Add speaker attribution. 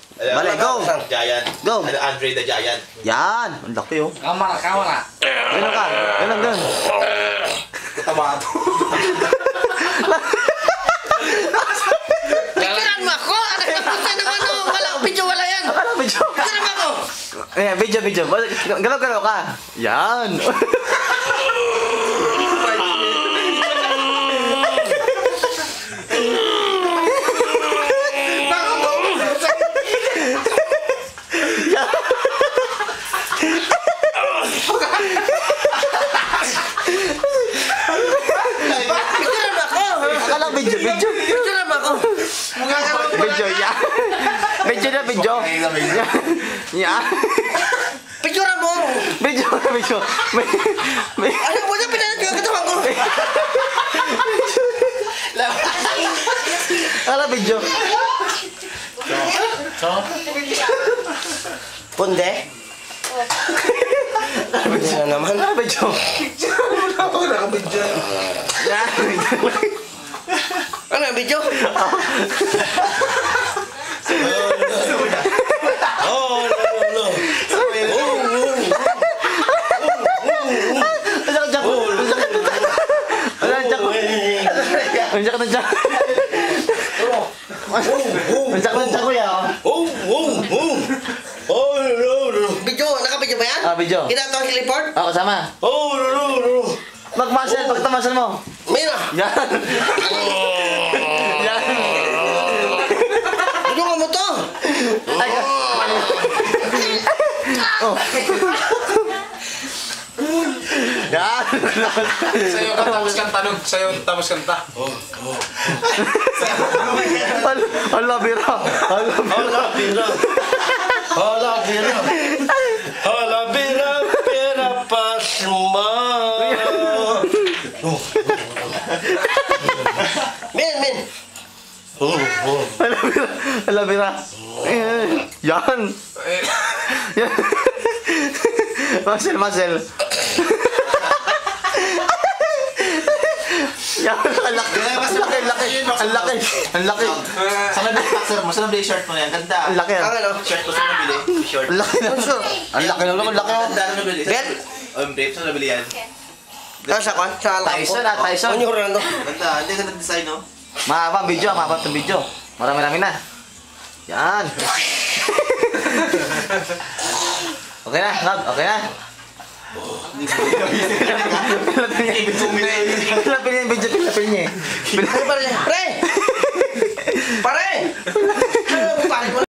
Speaker 1: Balik, go!
Speaker 2: Giant.
Speaker 1: Go!
Speaker 2: Andre the Giant.
Speaker 1: Yan! Ang laki oh.
Speaker 3: Kamar.
Speaker 1: Ganun ka. Ganun.
Speaker 2: Tama ito.
Speaker 4: Picturean mo ako! Nakatapusan naman o! Wala, video wala yan!
Speaker 1: Akala video.
Speaker 4: Picturean mo ako!
Speaker 1: Eh, video. Galaw ka. Yan!
Speaker 4: Picturean mo ako!
Speaker 1: Akala video.
Speaker 4: Picturean mo ako!
Speaker 1: Video, yan! Video. Yan!
Speaker 4: Picturean mo!
Speaker 1: Video.
Speaker 4: Ano mo na pinanat yung katawan ko?
Speaker 1: Akala video.
Speaker 4: Punde? Ano naman?
Speaker 1: Akala video.
Speaker 2: Ako nakabidyo.
Speaker 1: Yan!
Speaker 4: Ano yung video?
Speaker 2: Oh, no.
Speaker 1: Ang jack ko ya.
Speaker 2: Oh, no.
Speaker 4: Video? Naka-video ba yan?
Speaker 1: Ah, video.
Speaker 4: Kita ito ang heliport?
Speaker 1: Ako sama.
Speaker 2: Oh, no.
Speaker 1: Mag-muscle, pagtamasal mo.
Speaker 4: Mira!
Speaker 1: Yan. Yan.
Speaker 4: Tulungan mo to!
Speaker 1: Ay, oh. Yan.
Speaker 3: Sa'yo ka tapos kanta nun. Sa'yo tapos kanta.
Speaker 1: Hala, bira.
Speaker 2: Hala, bira, pasma.
Speaker 4: Min!
Speaker 1: Hala, bira. Yan. Yan. Muscle. Yan, ang laki.
Speaker 2: Sana na boxer mo, sana shirt mo yan. Ganda.
Speaker 1: Ang laki.
Speaker 4: Ang ano?
Speaker 2: Shirt mo sana nabili. Short.
Speaker 1: Ang laki na. Ang laki na.
Speaker 2: Ganda na nabili.
Speaker 4: Bet?
Speaker 2: Babe, saan nabili yan?
Speaker 4: Ano sa kwan? Sa alam ko?
Speaker 1: Tyson.
Speaker 4: Ano yung Orlando?
Speaker 2: Ganda, hindi ganda design, no?
Speaker 1: Mahaba ang video. Marami na. Yan. Okay na, Rob. Okay na. Pilapin niya yung video. Pilapin niya.
Speaker 4: Pre! Pare! Pare mo